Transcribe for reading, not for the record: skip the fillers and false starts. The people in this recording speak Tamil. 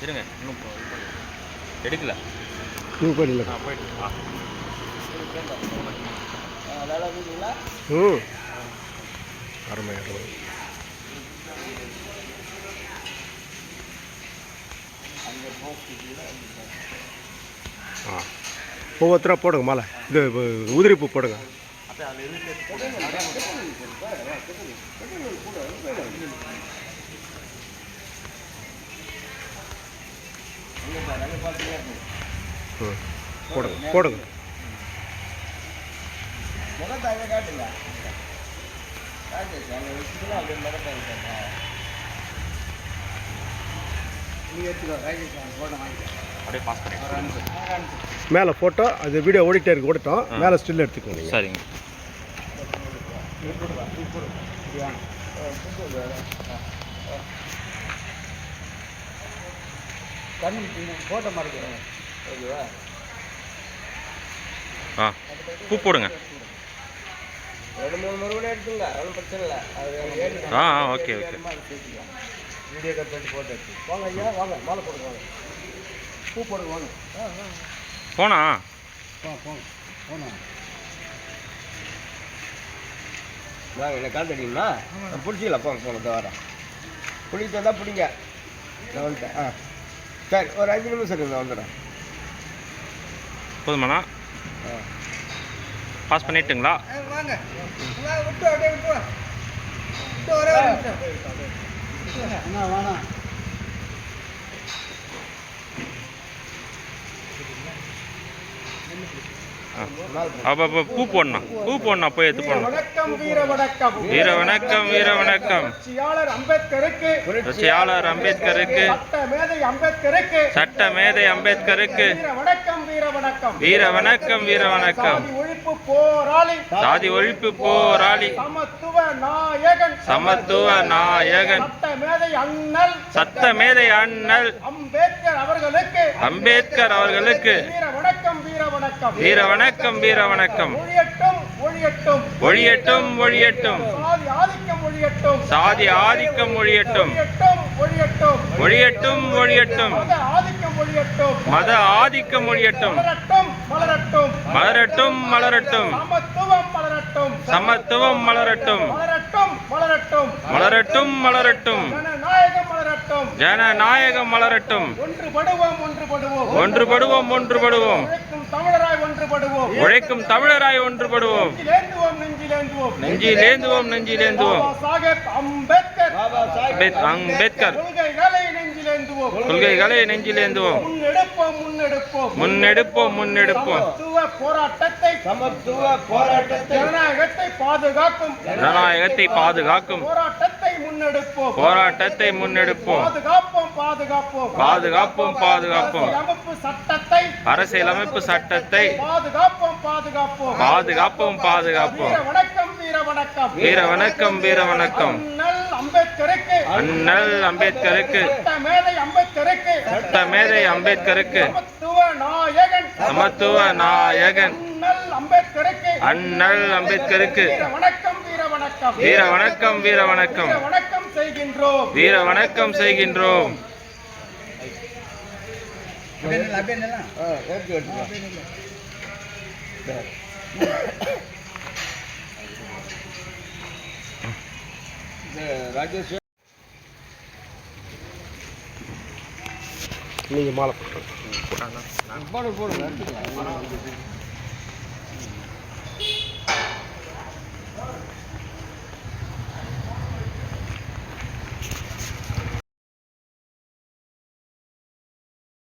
இருங்க இன்னும் எடுக்கல போயிடல போயிட்டு அருமை அருமை ஒவ்வொருத்தராக போடுங்க மாலை இது உதிரி பூ போடுங்க போடுங்க போடுங்க மேலே ஃபோட்டோ அது வீடியோ ஓடிட்டே இருக்கு ஓடிட்டோம் மேலே ஸ்டில் எடுத்துக்கோங்க சரிங்க ஃபோட்டோ மாதிரி பூ போடுங்க ரெண்டு மூணு முறை கூட எடுத்துங்க ஒன்றும் பிரச்சனை இல்லை அது ஓகே ஓகே வீடியோ கட் பண்ணி ஃபோட்டோ எடுத்து வாங்க ஐயா வாங்க மாலை போடுங்க வாங்க பூ போடுங்க வாங்க போனா போங்க போனா வாங்க என்ன கால் தடிங்களா பிடிச்சிக்கலாம் போங்க போங்க வரேன் பிடிச்சி வந்தால் பிடிங்க நான் வந்துட்டேன் சரி ஒரு 5 நிமிஷம் இருக்கு நான் வந்துடுறேன் போதுமாண்ணா பாஸ் பண்ணிட்டுங்களா வாங்க விட்டு அப்படியே விட்டு ஒரே வேணாம் அப்போ பூ போடணும் போய் எடுத்து போடணும் வணக்கம் வீர வணக்கம் வீர வணக்கம் வீர வணக்கம் புரட்சியாளர் அம்பேத்கருக்கு சட்ட மேதை அம்பேத்கருக்கு வீர வணக்கம் வீர வணக்கம் வீர வணக்கம் வீர வணக்கம் ஒழிப்பு போராளி சாதி ஒழிப்பு போராளி சமத்துவ நாயகன் சட்ட மேதை அண்ணல் அம்பேத்கர் அவர்களுக்கு வீர வணக்கம் வீர வணக்கம் ஒழியட்டும் ஒழியட்டும் சாதி ஆதிக்கம் ஒழியட்டும் ஒழியட்டும் ஒழியட்டும் மத ஆதிக்கம் ஒழியட்டும் மலரட்டும் மலரட்டும் சமத்துவம் மலரட்டும் மலரட்டும் மலரட்டும் ஜனநாயகம் மலரட்டும் ஒன்றுபடுவோம் ஒன்றுபடுவோம் உழைக்கும் தமிழராய் ஒன்றுபடுவோம் நெஞ்சிலேந்துவோம் நெஞ்சிலேந்துவோம் அம்பேத்கர் கொள்கைகளை நெஞ்சிலேந்துவோம் முன்னெடுப்போம் முன்னெடுப்போம் ஜனநாயகத்தை பாதுகாக்கும் போராட்டத்தை முன்னெடுப்போம் பாதுகாப்போம் பாதுகாப்போம் அரசியலமைப்பு சட்டத்தை பாதுகாப்போம் பாதுகாப்போம் வீர வணக்கம் வீர வணக்கம் அண்ணல் அம்பேத்கருக்கு சட்ட மேதை அம்பேத்கருக்கு சமத்துவ நாயகன் அண்ணல் அம்பேத்கருக்கு வீர வணக்கம் வீர வணக்கம் வீர வணக்கம் செய்கின்றோம் ராஜேஷ் நீங்கள் மாலை போடுங்க